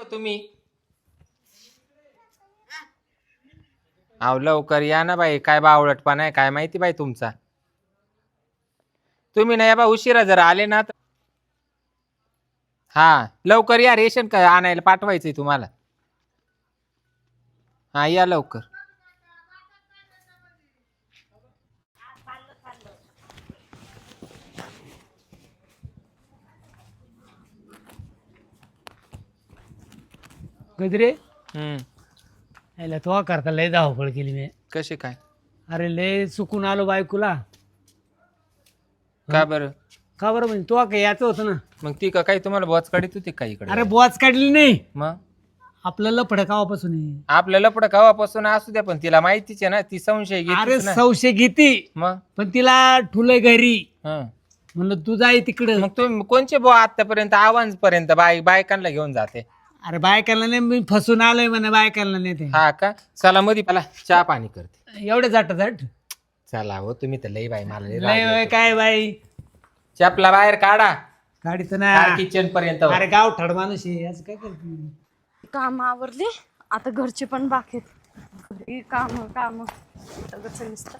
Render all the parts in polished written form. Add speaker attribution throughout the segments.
Speaker 1: तुम्ही? अहो लवकर या ना बाई, काय बावळटपणा आहे काय माहिती बाई तुमचा. तुम्ही नाही बा उशिरा जर आले ना तर हा लवकर या, रेशन का आणायला पाठवायचंय तुम्हाला. हा या लवकर.
Speaker 2: गजरे
Speaker 1: हम्म.
Speaker 2: याला तो करता लय धावपळ केली मी.
Speaker 1: कसे काय?
Speaker 2: अरे लय चुकून आलो बायकोला.
Speaker 1: का बरं?
Speaker 2: का बरं म्हणजे तो काय याचं होतं ना.
Speaker 1: मग ती का काही तुम्हाला बॉच काढीत होती का इकडे?
Speaker 2: अरे बुवाच काढली नाही,
Speaker 1: मग
Speaker 2: आपलं लफड कावापासून आहे.
Speaker 1: आपलं लपड गावापासून असू द्या, पण तिला माहितीच आहे ना, ती संशय
Speaker 2: अरे
Speaker 1: घेतीच ना.
Speaker 2: संशय घेती,
Speaker 1: मग
Speaker 2: पण तिला ठुलय घरी.
Speaker 1: हं.
Speaker 2: म्हणलं तू जाय तिकडं.
Speaker 1: मग तुम्ही कोणचे बुवा आतापर्यंत आव्हान पर्यंत बायकांना घेऊन जाते?
Speaker 2: अरे बायकांना नाही, मी फसून आलोय म्हणे बायकांना नाही ते.
Speaker 1: हा का? चला मध्ये मला चहा पाणी करते.
Speaker 2: एवढे जाट जाट
Speaker 1: चला हो, तुम्ही तर लई बाई मला लई
Speaker 2: लय
Speaker 1: राग
Speaker 2: होय
Speaker 1: येतो.
Speaker 2: काय बाई
Speaker 1: चपला बाहेर काढा
Speaker 2: गाडीत ना.
Speaker 1: किचन पर्यंत.
Speaker 2: अरे गाव ठड माणूस आहे, असं काय करते.
Speaker 3: काम आवरले आता, घरचे पण बाकी आहेत. घरी काम काम सगळंच नुसतं.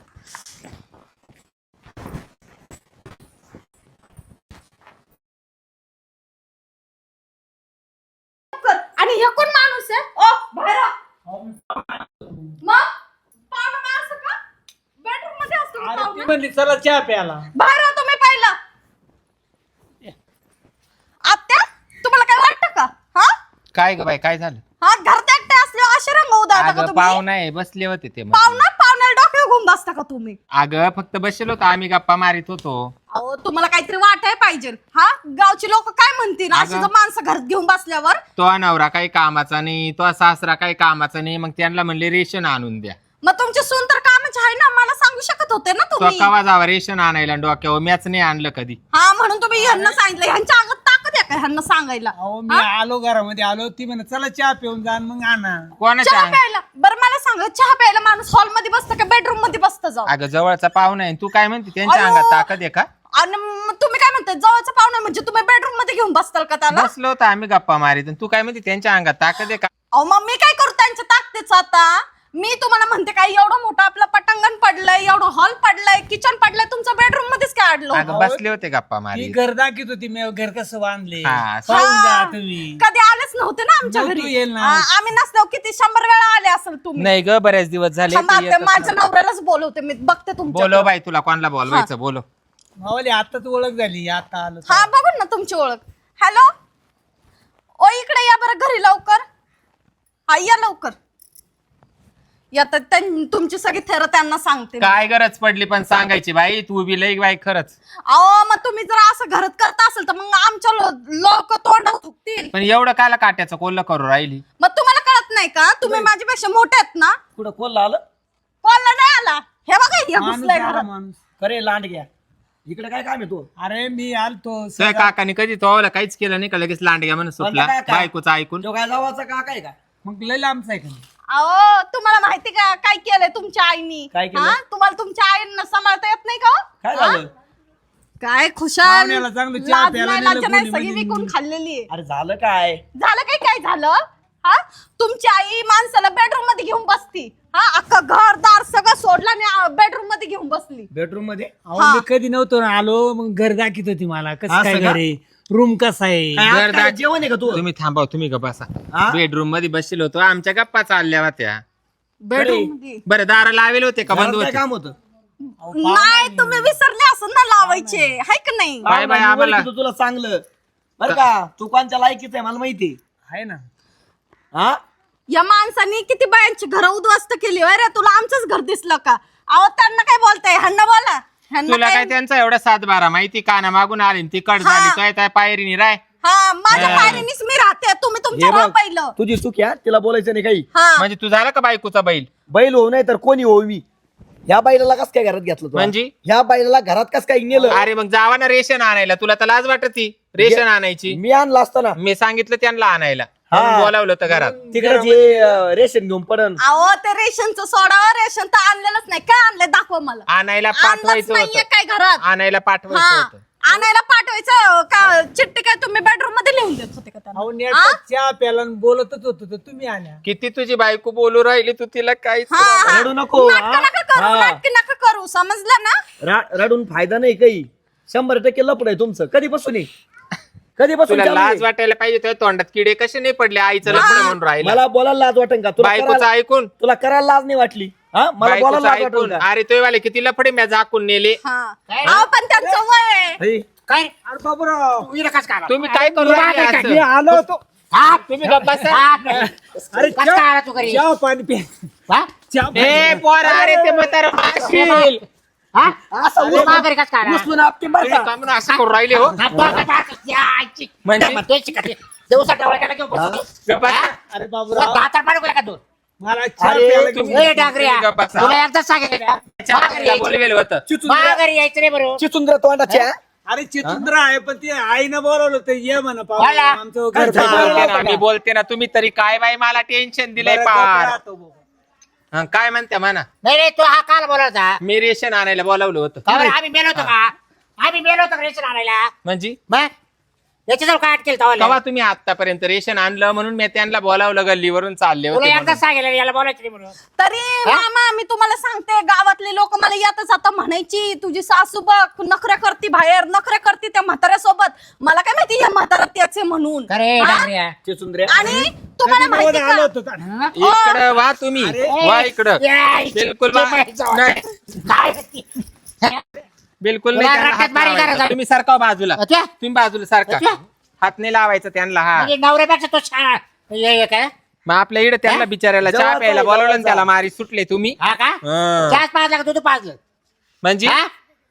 Speaker 3: आणि हे कोण माणूस आहे? ओ बाहेर आ. मग पाहुणा माणूस का? बेडरूम मध्ये असतो का
Speaker 2: अरे ती
Speaker 3: पाहुणा?
Speaker 2: म्हणली चला चहा प्यायला.
Speaker 3: बाहेर आ तुम्ही पहिलं. आत्या तुम्हाला काय वाटतं का? हा
Speaker 1: काय ग बाई काय झालं?
Speaker 3: हा घरात एकटे असले असे रंग उदाहरता का
Speaker 1: अगं
Speaker 3: तुम्ही?
Speaker 1: पाहुणा आहे, बसले होते ते मग.
Speaker 3: पाहुण्याला डोक्यावर घुम बसता का तुम्ही?
Speaker 1: अगं फक्त बसलो होतो आम्ही, गप्पा मारित होतो.
Speaker 3: अहो तुम्हाला काहीतरी वाटाय पाहिजे. हा गावची लोक काय म्हणतील अशी
Speaker 1: अगं.
Speaker 3: जर माणसं घरात घेऊन बसल्यावर?
Speaker 1: तो नवरा काही कामाचा नाही, तो सासरा काही कामाचा नाही, मग त्यांना म्हणले रेशन आणून द्या.
Speaker 3: मग तुमची सून तर कामाची आहे ना, मला सांगू शकत होते ना
Speaker 1: तो
Speaker 3: तुम्ही.
Speaker 1: कवा जावा रेशन आणायला डोक्यावर, मॅच नाही आणलं कधी.
Speaker 3: हा म्हणून तुम्ही ह्यांना सांगितलं. ह्यांच्या अंगात ताकद आहे का ह्यांना सांगायला?
Speaker 2: अहो मी आलो घरामध्ये आलो, ती म्हणे चला चहा पिऊन जा मग आणा.
Speaker 1: कोणाच्या
Speaker 3: चहा प्यायला? बरं मला सांगा, चहा प्यायला माणूस हॉल मध्ये बसतं का बेडरूम मध्ये बसतं जाऊ?
Speaker 1: अगं जवळचा पाहुणा आहे, तू काय म्हणते त्यांच्या
Speaker 3: अयो.
Speaker 1: अंगात ताकद आहे का?
Speaker 3: आणि मग तुम्ही काय म्हणताय जवळचा पाहुणा म्हणजे तुम्ही बेडरूम मध्ये घेऊन बसताल का त्याला?
Speaker 1: बसलो होतो आम्ही गप्पा मारित, आणि तू काय म्हणते त्यांच्या अंगात ताकद आहे का?
Speaker 3: अहो मग मी काय करू त्यांच्या ताकदीचं आता? मी तुम्हाला म्हणते काय, एवढं मोठं आपलं पटांगण पडलंय, एवढं हॉल पडलंय, किचन पडलंय, तुमचं बेडरूम मध्येच काय अडलो?
Speaker 1: अगं बसले होते गप्पा
Speaker 2: ती
Speaker 1: मारित.
Speaker 2: घर दाखवत होती, मी घर कसं बांधले
Speaker 1: हा.
Speaker 2: पाहून जा
Speaker 3: हा.
Speaker 2: तुम्ही.
Speaker 3: कधी आलेच नव्हते ना आमच्या
Speaker 2: नव्हतं
Speaker 3: घरी.
Speaker 2: येईल ना.
Speaker 3: हा, आम्ही नसल्यावर किती 100 वेळा आले असेल तुम्ही.
Speaker 1: नाही ग, बऱ्याच दिवस झाले
Speaker 3: थांबा,
Speaker 1: तू
Speaker 3: ते
Speaker 1: येतच
Speaker 3: माझ्या
Speaker 1: नाही.
Speaker 3: नवऱ्यालाच बोलवते मी, बघते तुमच्या.
Speaker 1: बोलो बाई, तुला कोणाला बोलवायचं बोलो.
Speaker 2: मावली आताच ओळख झाली, आता आलो.
Speaker 3: हा बघून ना तुमची ओळख. हॅलो, ओ इकडे या बरं घरी लवकर. हा या लवकर या, तर तुमची सगळी थेर त्यांना सांगते मी.
Speaker 1: काय गरज पडली पण सांगायची बाई, तू बी लई बाई खरंच.
Speaker 3: अहो मग तुम्ही जर असं घरात करत असेल तर मग आमच्या लोक तोंड थुकतील.
Speaker 1: पण एवढं कायला काट्याचं कोल्ह करू राहिली?
Speaker 3: मग तुम्हाला कळत नाही का? तुम्ही माझ्यापेक्षा मोठे आहेत ना.
Speaker 4: कुठं कोण आलं
Speaker 3: कोणाला नाही आला? हे बघा या
Speaker 2: माणूस
Speaker 3: घुसलाय
Speaker 2: आला
Speaker 3: घरात.
Speaker 2: माणूस.
Speaker 4: खरे लांड घ्या इकडे काय काम आहे तू?
Speaker 2: अरे मी आलतो
Speaker 1: तुझ्या काकाने कधी तोवाला काहीच केलं नाही का, लगेच लांडग्या म्हणून सुटला
Speaker 4: म्हणलं काय?
Speaker 1: बायकोचं ऐकून.
Speaker 4: तो काय जावाचा काका आहे का?
Speaker 2: मग लय लांबचा आहे का नाही?
Speaker 3: अहो तुम्हाला माहिती का काय केलंय तुमच्या आईनी?
Speaker 4: काय केलं?
Speaker 3: हा? तुम्हाला तुमच्या आईनं सांभाळता येत नाही का हो?
Speaker 4: काय
Speaker 3: हा?
Speaker 4: झालं?
Speaker 3: काय खुशाल
Speaker 2: पाहुण्याला चांगलं चहा
Speaker 3: लाज
Speaker 2: प्यायला
Speaker 3: नाही,
Speaker 2: नेलं
Speaker 3: लाज नाही,
Speaker 2: कोणी
Speaker 3: सगळी
Speaker 2: म्हणे.
Speaker 3: विकून खाल्लेली आहे.
Speaker 4: अरे झालं काय?
Speaker 3: झालं काय? काय झालं? हा तुमची आई माणसाला बेडरूम मध्ये घेऊन बसती. हा अख्खा घरदार सगळं सोडलं आणि बेडरूम मध्ये घेऊन बसली.
Speaker 4: बेडरूम मध्ये
Speaker 2: अहो मी कधी नव्हतो ना आलो, मग घर दाखवत होती मला कसं
Speaker 4: असं
Speaker 2: काय
Speaker 4: का?
Speaker 2: घर आहे, रूम कसा आहे.
Speaker 4: काय आज
Speaker 1: घर
Speaker 4: काय
Speaker 1: दाख-
Speaker 4: जेवण आहे का तू?
Speaker 1: तुम्ही थांबाव, तुम्ही गप्पा बसा.
Speaker 4: हा?
Speaker 1: बेडरूम मध्ये बसलो होतो, आमच्या गप्पा चालल्या होत्या.
Speaker 3: बेडरूम मध्ये
Speaker 1: बरं दार लावेल होते का बंद
Speaker 4: घरात काय
Speaker 1: होते?
Speaker 4: काम होतं?
Speaker 3: नाही तुम्ही विसरले असं ना लावायचे हाय का नाही?
Speaker 1: बाय बाय,
Speaker 4: मी
Speaker 1: आम्हाला
Speaker 4: ओळखीतो तुला चांगलं बरं का? तू कोणच्या लायकीच आहे मला माहिती
Speaker 2: आहे ना.
Speaker 4: हा?
Speaker 3: या माणसाने किती बायांची घर उद्ध्वस्त केली. अरे तुला आमचंच घर दिसलं का? अहो त्यांना काय बोलताय? ह्यांना बोला. ह्यांना
Speaker 1: तुला काय
Speaker 3: काय?
Speaker 1: त्यांचा एवढा 7-12 माहिती? काना मागून आली ती कट
Speaker 3: हा.
Speaker 1: झाली, तो त्या पायरीनी राय.
Speaker 3: हा माझ्या
Speaker 1: हा.
Speaker 3: पायरीनीच मी राहते. तुम्ही तुमच्या
Speaker 4: हे
Speaker 3: राहा
Speaker 4: बघ,
Speaker 3: पहिलं.
Speaker 4: तुझी चूक आहे, तिला बोलायचं नाही काही.
Speaker 3: हा
Speaker 1: म्हणजे तू झाला का बायकोचा बैल?
Speaker 4: बैल होऊ नाही तर कोणी होऊ मी. ह्या बैलाला कस काय घरात घेतलं तू?
Speaker 1: म्हणजे?
Speaker 4: ह्या बैलाला घरात कस काय नेलं?
Speaker 1: अरे मग जावा ना रेशन आणायला, तुला तर लाज वाटती रेशन आणायची.
Speaker 4: मी आणला असताना
Speaker 1: मी सांगितलं त्यांना आणायला,
Speaker 4: हा.
Speaker 1: म्हणून बोलावलं होतं घरात.
Speaker 4: तिकडे जे रेशन घेऊन पडन.
Speaker 3: अहो ते रेशनचं सोडावं. रेशन तर आणलेलंच नाही. काय आणलंय दाखवा मला.
Speaker 1: आणायला
Speaker 3: आणलंच
Speaker 1: पाठवायचं
Speaker 3: नाहीये
Speaker 1: होतं,
Speaker 3: काय घरात?
Speaker 1: आणायला पाठवायचं
Speaker 3: हा
Speaker 1: होतं.
Speaker 3: आणायला पाठवायचं का चिठ्ठी काय तुम्ही बेडरूम मध्ये लिहून देत होते का
Speaker 2: अहो
Speaker 3: त्यांना
Speaker 2: नेट चहा प्याला आणि बोलतच होतो तर तुम्ही आल्या.
Speaker 1: किती तुझी बायको बोलू राहिली तू तिला काहीच
Speaker 3: हा, हा.
Speaker 4: रडू नको,
Speaker 3: नाटकं नका करू
Speaker 4: हा.
Speaker 3: नाटकं नका करू समजलं ना.
Speaker 4: रडून फायदा नाही काही. 100% लपड आहे तुमचं. कधीपासून आहे? कधीपासून
Speaker 1: तुला
Speaker 4: चालू आहे?
Speaker 1: लाज वाटायला पाहिजे तुझ्या तोंडात किडे कसे नाही पडले आईचं लग्न म्हणून राहिला
Speaker 4: मला बोलायला लाज वाटेल का?
Speaker 1: बायकोचं ऐकून
Speaker 4: तुला करायला लाज नाही वाटली? हा मला
Speaker 1: बायकोचं
Speaker 4: बोलायला लाज वाटेल
Speaker 1: ऐकून
Speaker 4: का?
Speaker 1: अरे तो वाले किती लफडे म्या झाकून नेले
Speaker 3: हा अहो, पण त्यांचं वय आहे.
Speaker 4: हे,
Speaker 5: काय
Speaker 2: अरे बाबूराव
Speaker 5: तू इकडे कस काय आला?
Speaker 1: तुम्ही काय करू राहिले असं?
Speaker 2: मी आलो होतो.
Speaker 5: हा?
Speaker 1: तुम्ही गप्प बसा.
Speaker 5: हा?
Speaker 2: अरे
Speaker 5: कस काय आला तू घरी
Speaker 2: चहा पाणी पे
Speaker 5: हा?
Speaker 2: चहा
Speaker 1: ए पोर अरे ते म्हातारं मारशील.
Speaker 5: हा?
Speaker 4: असं
Speaker 5: तू मा घरी कस काय आला?
Speaker 4: उचलून आपटे बरं
Speaker 1: ए,
Speaker 4: का?
Speaker 1: का म्हणून असं करू राहिले हो
Speaker 5: हा, तू आता बाहेर या, आईची.
Speaker 1: म्हणजे?
Speaker 5: मग तुझी शिकायची. दिवसा डोळा केला की बसतो.
Speaker 1: गप्प बसा.
Speaker 2: अरे
Speaker 5: तुला
Speaker 2: बाबूराव
Speaker 5: दातार पाडू का तू?
Speaker 2: मला चहा
Speaker 4: अरे,
Speaker 2: प्यायला
Speaker 1: तुम्ही-
Speaker 2: घेऊन-
Speaker 5: ए, डांगऱ्या.
Speaker 1: तुम्ही गप्प बसा.
Speaker 5: तुला एकदा सांगितलं ना. मा घरी यायचं.
Speaker 1: बोलवेल होतं
Speaker 5: मा घरी यायचं नाही बरोबर.
Speaker 4: चिचुंद्र तोंडाच्या.
Speaker 2: अरे चितुंद्र आहे पण ते आईनं बोलवलं तर ये म्हणा पाहू
Speaker 5: बोला.
Speaker 2: आमचं घर
Speaker 4: काय
Speaker 2: बाहेर
Speaker 1: बोलते
Speaker 2: राहतं
Speaker 1: ना, मी बोलते ना तुम्ही तरी काय बाई मला टेन्शन दिलंय
Speaker 2: बरं,
Speaker 1: पार
Speaker 2: राहतो बाबा.
Speaker 1: हा, काय म्हणते म्हणा
Speaker 5: नाही नाही तू हा काल बोलावता
Speaker 1: मी रेशन आणायला बोलावलं होतं
Speaker 5: का बरं, आम्ही मेलो होतो का आम्ही मेलो होतो का रेशन आणायला
Speaker 1: म्हणजे
Speaker 5: मग याच्याजवळ काय अटकेल तवाला
Speaker 1: तेव्हा तुम्ही आतापर्यंत रेशन आणलं म्हणून मी त्यांना बोलावलं गल्लीवरून चालले
Speaker 5: तुला
Speaker 1: होते
Speaker 5: एकदा
Speaker 1: म्हणून.
Speaker 5: सांगितलं याला बोलायचं नाही म्हणून
Speaker 3: तरी मामा मी तुम्हाला सांगते गावातले लोक मला येतच आता म्हणायची तुझी सासू बघ नखऱ्या करती बाहेर नखऱ्या करती त्या म्हाताऱ्यासोबत मला काय माहिती या म्हातारा त्याचे म्हणून
Speaker 5: अरे
Speaker 3: हा?
Speaker 5: डांगऱ्या.
Speaker 4: चिचुंद्रे.
Speaker 3: आणि तुम्हाला
Speaker 2: कधी
Speaker 3: माहिती
Speaker 2: बोलायला आलो
Speaker 3: का
Speaker 2: होतो का?
Speaker 5: हं?
Speaker 1: इकडं वा तुम्ही वा इकडं
Speaker 5: यायची.
Speaker 1: बिलकुल
Speaker 5: ते
Speaker 1: वा.
Speaker 5: बाईचं
Speaker 1: नाही,
Speaker 5: काय ती?
Speaker 1: बिलकुल
Speaker 5: तुला
Speaker 1: नाही त्यांना
Speaker 5: रट्ट्यात
Speaker 1: हात
Speaker 5: बारीक
Speaker 1: लावायचा.
Speaker 5: करायचा.
Speaker 1: तुम्ही सारखा बाजूला
Speaker 5: अच्छा?
Speaker 1: तुम्ही बाजूला सारखा
Speaker 5: अच्छा?
Speaker 1: हात नाही लावायचा त्यांना हा
Speaker 5: म्हणजे नवऱ्यापेक्षा तो छान हे काय
Speaker 1: मग आपल्या इकडे त्यांना बिचारायला चहा
Speaker 4: जवळचा
Speaker 1: प्यायला
Speaker 4: आहे,
Speaker 1: बोलावलं आणि
Speaker 4: जवळचा.
Speaker 1: त्याला मारी सुटले तुम्ही
Speaker 5: हा का
Speaker 1: हं.
Speaker 5: चहाच पाजला का दूध पाजलं
Speaker 1: म्हणजे
Speaker 5: हा?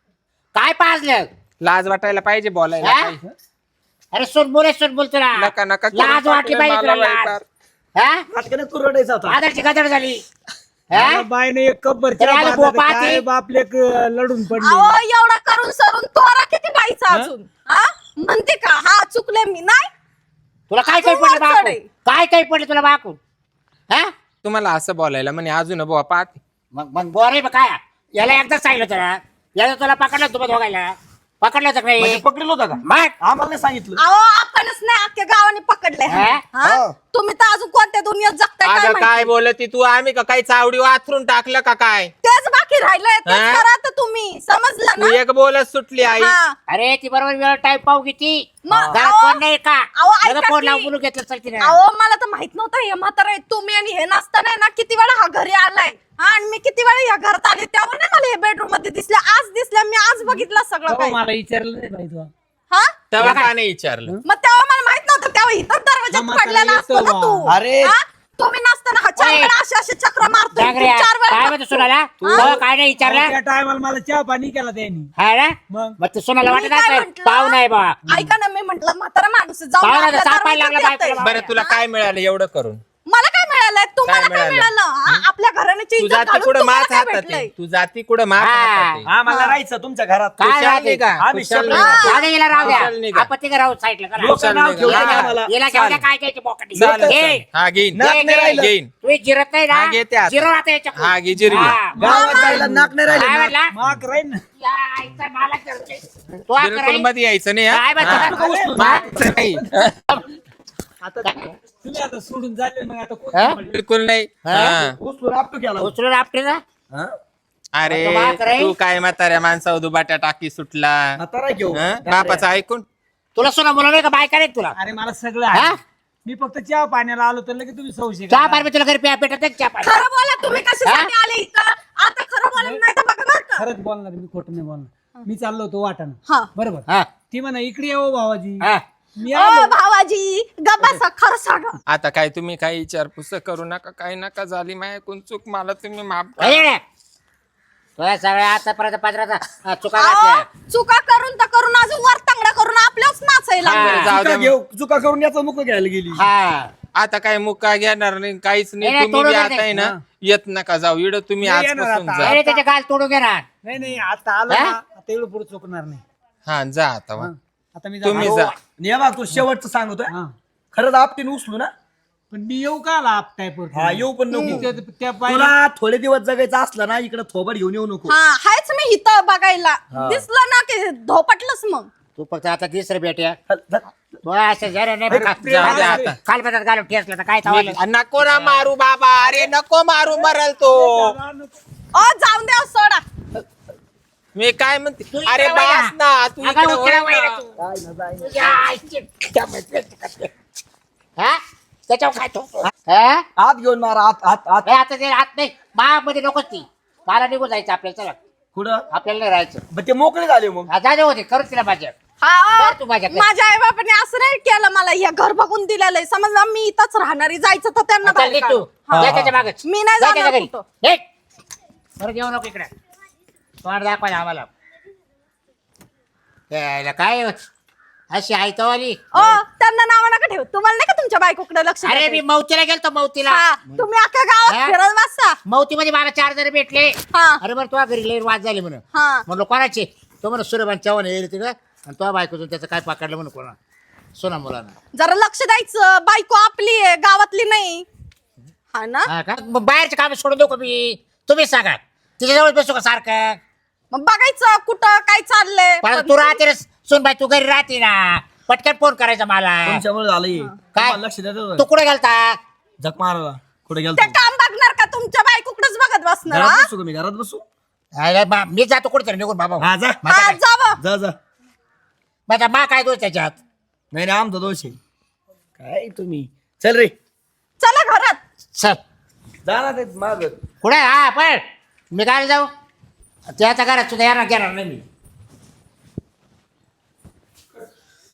Speaker 5: काय पाजलं
Speaker 1: लाज वाटायला पाहिजे बोलायला
Speaker 5: हा?
Speaker 1: काही.
Speaker 5: अरे सुन बोल तुला
Speaker 1: नका नका
Speaker 5: लाज वाटली पाहिजे तुला
Speaker 1: मला
Speaker 5: लाज
Speaker 1: वाईट.
Speaker 5: हा
Speaker 4: नाटकाने तू रडायचा होता.
Speaker 5: आदरची गदर झाली
Speaker 2: मला
Speaker 5: हा?
Speaker 2: बाईने एक कब्बर
Speaker 5: तरी आलं बोपा
Speaker 2: काय
Speaker 5: ती.
Speaker 2: बापले लढून पडले
Speaker 3: अहो एवढा करून सरून तोरा किती बाईचा अजून हा म्हणते का हा चुकले मी नाही
Speaker 5: तुला काय काही
Speaker 3: तू
Speaker 5: पडलं
Speaker 3: वाचड
Speaker 5: बाकून
Speaker 3: आहे.
Speaker 5: काय काही पडलं तुला बाकून हा
Speaker 1: तुम्हाला असं बोलायला म्हणे अजून बुवा पाहते
Speaker 5: मग बोरे काय याला एकदाच सांगितलं तुला याला तुला पकडलं तुम्ही दोघायला पकडलं होतं का
Speaker 4: म्हणजे
Speaker 5: नाही
Speaker 4: पकडलं होता का?
Speaker 5: मग
Speaker 4: आम्हाला नाही सांगितलं.
Speaker 3: अहो आपणच नाही अख्ख्या गावाने पकडले
Speaker 5: हा?
Speaker 3: हा? तुम्ही तर अजून कोणत्या दुनियेत जगताय काय
Speaker 1: अगं काय
Speaker 3: माहिती?
Speaker 1: बोलती तू आम्ही का काही चावडी वाथरून टाकलं का काय
Speaker 3: तेच बाकी राहिलंय तेच
Speaker 1: हा?
Speaker 3: करा तर तुम्ही समजलं
Speaker 1: तू
Speaker 3: ना
Speaker 1: एक बोलत सुटली आई
Speaker 3: हा.
Speaker 5: अरे ती बरोबर वेळ टाईप पाहू किती
Speaker 3: मग,
Speaker 5: घरात
Speaker 3: अहो,
Speaker 5: कोण नाही का
Speaker 3: अहो, ऐका
Speaker 5: लगेच फोन
Speaker 3: की.
Speaker 5: लावून बोलू घेतलं चल तिने
Speaker 3: अहो मला तर माहित नव्हतं हे म्हातारा आहे. तुम्ही आणि हे नसताना ना किती वेळा हा घरी आलाय हा आणि मी किती वेळा या घरात आले त्यावर नाही मला हे बेडरूम मध्ये दिसले आज दिसल्या मी आज बघितलं सगळं काही
Speaker 2: मला विचारलं नाही बाई तू.
Speaker 3: हा
Speaker 1: तेव्हा का नाही विचारलं
Speaker 3: मग तेव्हा मला माहित नव्हतं तेव्हा इथं दरवाजा
Speaker 2: हा, म्हातारा
Speaker 3: पडलेला असतो ना
Speaker 2: येतो
Speaker 3: तू
Speaker 2: बा.
Speaker 4: अरे.
Speaker 3: हा? तुम्ही नसताना हा चार
Speaker 5: ओय.
Speaker 3: वेळा असे चक्र मारतो
Speaker 5: डांगऱ्या,
Speaker 3: चार
Speaker 5: काय
Speaker 3: वेळा
Speaker 5: म्हणतो सुनाला
Speaker 3: हा?
Speaker 5: काय नाही विचारलं
Speaker 2: त्या टायमाला मला चहा पाणी केला त्यांनी
Speaker 5: हा ना
Speaker 2: मग
Speaker 5: मग ते सुनाला
Speaker 3: मी
Speaker 5: वाटत
Speaker 3: काय
Speaker 5: असेल
Speaker 3: म्हंटल?
Speaker 5: पाहू नाही बा
Speaker 3: ऐका ना मी म्हंटल म्हातारा माणूस आहे, जाऊन
Speaker 5: पाहुणा
Speaker 3: आपल्या
Speaker 5: तर सापायला
Speaker 3: दरवाजात
Speaker 5: लागला
Speaker 3: येतंय.
Speaker 5: बायकोला.
Speaker 1: बरं तुला काय मिळालं एवढं करून
Speaker 3: मला काय मिळालंय तुम्हाला
Speaker 1: काय
Speaker 3: काय
Speaker 1: मिळालं?
Speaker 3: मिळालं हा? आपल्या घराण्याची
Speaker 1: तू
Speaker 3: इज्जत
Speaker 1: जाती
Speaker 3: घालून
Speaker 1: कुठं
Speaker 3: तुम्हाला
Speaker 1: मात
Speaker 3: काय
Speaker 1: हातात
Speaker 3: भेटलंय?
Speaker 1: आहे? तू जाती कुठं मात
Speaker 5: हा.
Speaker 1: हातात आहे?
Speaker 4: आम्हाला राहायचं तुमच्या घरात.
Speaker 5: काय
Speaker 1: खुशाल
Speaker 5: राहते?
Speaker 1: नाही का?
Speaker 4: आम्ही
Speaker 1: खुशाल
Speaker 4: शब्द-
Speaker 1: नाही का?
Speaker 5: राहू दे, हिला राहू द्या
Speaker 1: खुशाल नाही का?
Speaker 5: आपत्ती का राहू साईडला करा.
Speaker 4: लोकं नाव
Speaker 1: नाही
Speaker 4: ठेवू
Speaker 1: का?
Speaker 4: नका
Speaker 5: हिला
Speaker 4: आम्हाला.
Speaker 5: हिला घेऊ द्या काय घ्यायची पॉकेट
Speaker 1: चालेल,
Speaker 5: घे.
Speaker 1: चालेल. हा घेईन
Speaker 4: नाक नाही राहिलं.
Speaker 1: घेईन
Speaker 5: तुम्ही जिरत नाही
Speaker 1: हा, घेते
Speaker 5: ना
Speaker 1: आता.
Speaker 5: जिरो आता याच्या
Speaker 1: हा, घे, जिरवी.
Speaker 4: गावात जायला नाक नाही
Speaker 5: काय
Speaker 4: राहिलं ना.
Speaker 5: म्हणला
Speaker 2: माग राहील ना
Speaker 5: या, आईचा मला करते. तो हा
Speaker 1: बिलकुल
Speaker 5: कराई.
Speaker 1: मध्ये यायचं नाही हा?
Speaker 5: काय म्हणतो?
Speaker 1: हा. मागचं नाही.
Speaker 2: आता तुम्ही आता सोडून झाले मग आता कोण
Speaker 5: हा?
Speaker 2: सांभाळेल?
Speaker 1: बिलकुल नाही हा.
Speaker 4: उचलून आपटू केला.
Speaker 5: उचलून आपटे ना
Speaker 4: हा?
Speaker 1: अरे
Speaker 5: आता माग राहील.
Speaker 1: तू काय म्हाताऱ्या माणसावर दुबाट्या टाकी सुटला
Speaker 4: म्हातारा घेऊ.
Speaker 1: हा? बापाचं ऐकून
Speaker 5: तुला सुना मुलं नाही का बायका नाही तुला
Speaker 2: अरे मला सगळं
Speaker 5: हा?
Speaker 2: आहे मी फक्त चहा पाण्याला आलो तर लगेच तुम्ही संशय
Speaker 5: चहा
Speaker 2: करा.
Speaker 5: पाणी मी तुला घरी प्या पेटत नाही का चहा पाणी
Speaker 3: खरं बोला तुम्ही कशासाठी आले इथं आता खरं बोला नाही तर बघा बरं का
Speaker 2: खरंच बोलणार मी खोटं नाही बोलणार मी चाललो होतो वाटाणा
Speaker 3: हा
Speaker 2: बरोबर
Speaker 5: हा
Speaker 2: ती म्हणा इकडे येऊ भावाजी
Speaker 5: हा
Speaker 2: मी
Speaker 3: ओ
Speaker 2: आलो
Speaker 3: भावाजी गप्पा खरं सांगा
Speaker 1: आता काय तुम्ही काही विचारपूस करू नका काही नका झाली माझ्याकडून चूक मला तुम्ही माफ करा.
Speaker 5: अरे तुला सगळ्या आतापर्यंत पदराचा चुका
Speaker 3: अहो,
Speaker 5: घातल्या
Speaker 3: चुका करून तर करून अजून वर तांगडा करून आपल्याच नाचायला
Speaker 5: हा.
Speaker 3: लागले.
Speaker 1: जाऊ
Speaker 4: चुका
Speaker 1: दे
Speaker 4: घेऊ चुका करून याचा मुख घ्यायला गेली.
Speaker 5: हा
Speaker 1: आता काय मुक्का घेणार नाही काहीच नाही
Speaker 5: नाही,
Speaker 1: तुम्ही
Speaker 5: तोडून
Speaker 1: बी
Speaker 5: दे.
Speaker 1: आता आहे ना येत नका जाऊ इड तुम्ही
Speaker 2: नाही येणार
Speaker 1: आजपासून
Speaker 2: आता.
Speaker 1: जा
Speaker 5: अरे त्याचे गाल तोडून घेणार
Speaker 2: नाही नाही आता आलो
Speaker 5: हा?
Speaker 2: ना आता एवढं पुढे चुकणार नाही
Speaker 1: हा जा आता वा.
Speaker 2: आता मी
Speaker 1: तुम्ही
Speaker 2: जाणार.
Speaker 1: जा
Speaker 4: आणि हे बघ तू शेवटचं सांगतोय
Speaker 2: हा.
Speaker 4: खरंच आपटीन उचलू ना.
Speaker 2: पण मी येऊ का आला आपटाय
Speaker 4: हा येऊ पण नको.
Speaker 2: त्या पायी
Speaker 4: तुला थोडे दिवस जगायचं असलं ना इकडे थोबड घेऊन येऊ नको.
Speaker 3: हा हायच मी इथं बघायला दिसलं ना की धोपटलंच मग
Speaker 5: तू फक्त आता तिसरं भेट्या
Speaker 4: चल, चल.
Speaker 5: तू असं जरा नाही
Speaker 2: अरे,
Speaker 1: जाऊ दे आता.
Speaker 5: काल बघत घालून ठेसलं तर काय थांबलं
Speaker 1: नको ना मारू बाबा, अरे नको मारू, मरल तो.
Speaker 3: ओ जाऊन द्या सोडा.
Speaker 1: मी काय म्हणते,
Speaker 5: तू
Speaker 1: अरे
Speaker 5: इकडे
Speaker 1: बास
Speaker 5: वळा.
Speaker 1: ना, तू
Speaker 5: अगं,
Speaker 1: इकडे
Speaker 5: उकडा
Speaker 1: वळ ना.
Speaker 5: वळा तू. तुझ्या आईची हा? त्याच्यावर काय ठोकतो? हा?
Speaker 4: आत घेऊन मारा आत आत आत
Speaker 5: हे आता ते हात नाही मध्ये नकोच ती मला निघून जायचं आपल्याला चला
Speaker 4: कुठं
Speaker 5: आपल्याला नाही राहायचं
Speaker 4: मग ते मोकळे झाले मग
Speaker 5: हा, जाऊ होते करू तिला माझ्या
Speaker 3: हा
Speaker 5: कर तू माझ्याकडे.
Speaker 3: माझ्या आई बाबांनी असं नाही केलं मला, हे घर बघून दिलेलं आहे. समजलं मी इथंच राहणारी, जायचं तर त्यांना
Speaker 5: चल
Speaker 3: बाहेर
Speaker 5: निघ
Speaker 3: काढ.
Speaker 5: तू
Speaker 3: हा.
Speaker 5: जा त्याच्या मागच
Speaker 3: मी नाही
Speaker 5: जा
Speaker 3: जाणार
Speaker 5: त्याच्या घरी.
Speaker 3: कुठं.
Speaker 5: निघ. बरं जेवू नको इकडे तोंड दाखवायला आम्हाला यायला काय अशी आहे तो आली
Speaker 3: ओ त्यांना नाव नका ठेवू. तुम्हाला नाही का तुमच्या बायकोकडे लक्ष
Speaker 5: अरे
Speaker 3: देता
Speaker 5: मी
Speaker 3: येत?
Speaker 5: मौतीला गेलतो मौतीला
Speaker 3: हा, तुम्ही अख्ख्या गावात
Speaker 5: हा?
Speaker 3: फिरत बसता.
Speaker 5: मौतीमध्ये मला 4 जण भेटले
Speaker 3: हा.
Speaker 5: अरे बरं तुझ्या घरी लई वाद झाली म्हणून
Speaker 3: हा.
Speaker 5: म्हणलो कोणाचे तो म्हणून सूर्यभान चव्हाण येईल तिकडं आणि तो बायकोतून त्याचं काय पकडलं म्हणून कोणा सोना मुलांना
Speaker 3: जरा लक्ष द्यायचं, बायको आपली आहे, गावातली नाही. हा ना,
Speaker 5: हा का मग बाहेरचे काम सोडून देऊ का मी तुम्हीच सांगा तिच्याजवळ बसू का सारखं
Speaker 3: मग बघायचं कुठं काय चाललंय.
Speaker 5: पण तू राहते रे सुनबाई तू घरी राहते ना पटकन फोन करायचा मला
Speaker 4: तुमच्यामुळे झालंय
Speaker 5: काय?
Speaker 4: तुम्हाला लक्ष द्यायचं
Speaker 5: तू कुठे गेलता
Speaker 4: झक मारायला कुठे गेलो
Speaker 3: ते काम बघणार का तुमच्या बायकोकडेच बघत बसणार?
Speaker 4: घरात
Speaker 3: हा?
Speaker 4: बसू का मी घरात बसू
Speaker 5: अरे मी जातो कुठे निघून बाबा
Speaker 4: हा जा
Speaker 3: हा, जावं.
Speaker 4: जा जा
Speaker 5: माझा मा काय दोष त्याच्यात
Speaker 4: नाही नाही आमचा दोष आहे काय तुम्ही चल रे
Speaker 3: चला घरात.
Speaker 5: चल
Speaker 4: जा ना ते माग
Speaker 5: कुठे हा पण मी काय जाऊ त्याच्या घरात सुद्धा येणार घेणार नाही मी